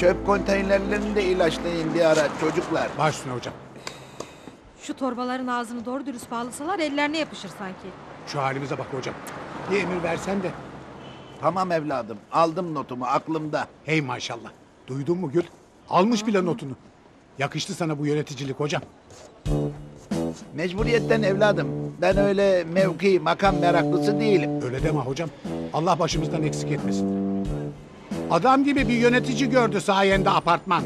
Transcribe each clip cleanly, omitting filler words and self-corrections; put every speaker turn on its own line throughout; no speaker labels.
çöp konteynerlerini de ilaçlayın bir ara çocuklar.
Baş üstüne hocam.
Şu torbaların ağzını doğru dürüst bağlasalar ellerine yapışır sanki.
Şu halimize bak hocam. Bir emir versen de.
Tamam evladım, aldım notumu aklımda.
Hey maşallah. Duydun mu Gül? Almış bile notunu. Yakıştı sana bu yöneticilik hocam.
Mecburiyetten evladım. Ben öyle mevki, makam meraklısı değilim.
Öyle deme hocam. Allah başımızdan eksik etmesin. Adam gibi bir yönetici gördü sayende apartman.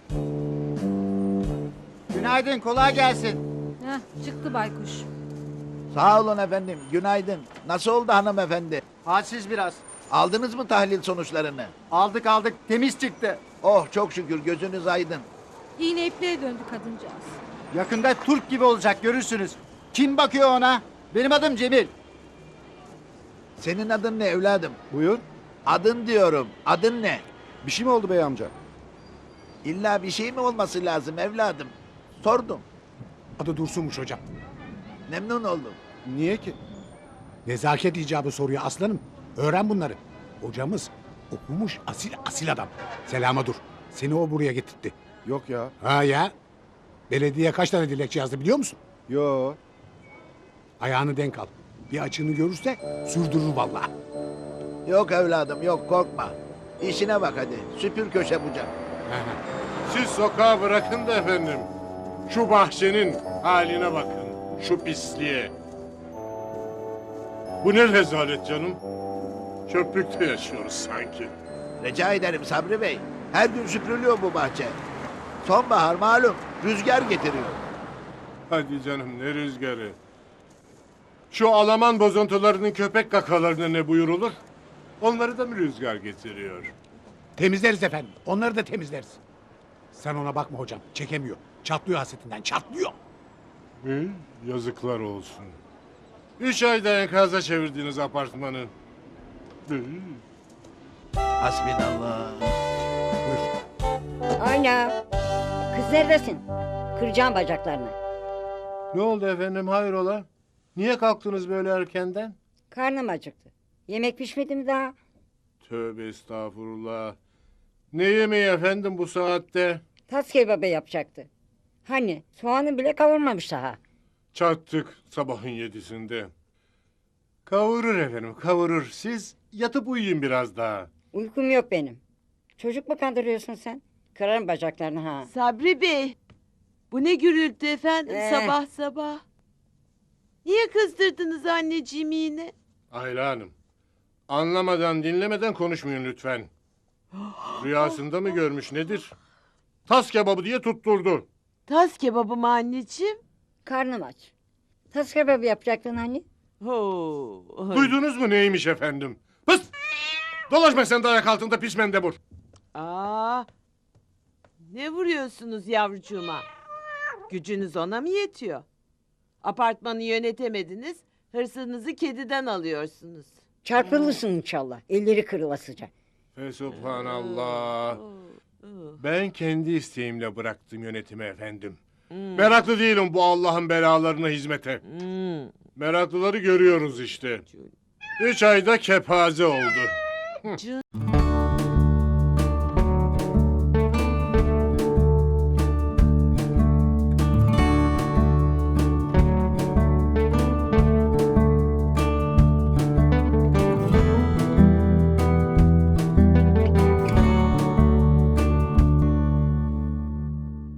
Günaydın, kolay gelsin.
Heh, çıktı baykuş.
Sağ olun efendim, günaydın. Nasıl oldu hanımefendi?
Halsiz biraz.
Aldınız mı tahlil sonuçlarını?
Aldık, temiz çıktı.
Oh çok şükür, gözünüz aydın.
İğne ipliğe döndü kadıncağız.
Yakında Türk gibi olacak, görürsünüz. Kim bakıyor ona? Benim adım Cemil.
Senin adın ne evladım?
Buyur.
Adın diyorum, adın ne?
Bir şey mi oldu bey amca?
İlla bir şey mi olması lazım evladım? Sordum,
Adı Dursun'muş hocam.
memnun oldum.
Niye ki?
Nezaket icabı soruyor aslanım. Öğren bunları. Hocamız okumuş asil adam. Selama dur. Seni o buraya getirtti.
Yok ya.
Ha ya. Belediye kaç tane dilekçe yazdı biliyor musun?
Yo.
Ayağını denk al. Bir açığını görürse sürdürür vallahi.
Yok evladım, yok korkma. İşine bak hadi, süpür köşe bucak.
Siz sokağa bırakın da efendim. Şu bahçenin haline bakın. Şu pisliğe. Bu ne rezalet canım. Çöplükte yaşıyoruz sanki.
Rica ederim Sabri Bey. Her gün süpürülüyor bu bahçe. Sonbahar malum, rüzgar getiriyor.
Hadi canım ne rüzgarı. Şu Alaman bozuntularının köpek kakalarına ne buyurulur? Onları da mı rüzgar getiriyor?
Temizleriz efendim. Onları da temizleriz. Sen ona bakma hocam. Çekemiyor. Çatlıyor hasretinden. Çatlıyor.
Yazıklar olsun. 3 ayda enkaza çevirdiniz apartmanı.
Hasbinallah.
Buyur.
Aynen. Kız neredesin? Kıracağım bacaklarını.
Ne oldu efendim hayrola? Niye kalktınız böyle erkenden?
Karnım acıktı. Yemek pişmedi mi daha?
Tövbe estağfurullah. Ne yemeği efendim bu saatte?
Tas kebabı yapacaktı. Hani soğanı bile kavurmamış daha.
Çattık sabahın 7'sinde. Kavurur efendim kavurur. Siz yatıp uyuyun biraz daha.
Uykum yok benim. Çocuk mu kandırıyorsun sen? Kırarım bacaklarını ha.
Sabri Bey, bu ne gürültü efendim sabah sabah. Niye kızdırdınız anneciğimi yine?
Ayla Hanım. Anlamadan dinlemeden konuşmayın lütfen. Rüyasında mı görmüş nedir? Tas kebabı diye tutturdu.
Tas kebabı mı anneciğim?
Karnım aç. Tas kebabı yapacaktın hani?
Ho.
Duydunuz mu neymiş efendim? Pıs! Dolaşma sen de ayak altında pis mendebur.
Aa, ne vuruyorsunuz yavrucuğuma? Gücünüz ona mı yetiyor? Apartmanı yönetemediniz, hırsınızı kediden alıyorsunuz.
Çarpılırsın inşallah. Elleri kırılasıca.
Fesubhanallah. Ben kendi isteğimle bıraktım yönetimi efendim. Meraklı değilim bu Allah'ın belalarına hizmete. Meraklıları görüyoruz işte. 3 ayda kepaze oldu.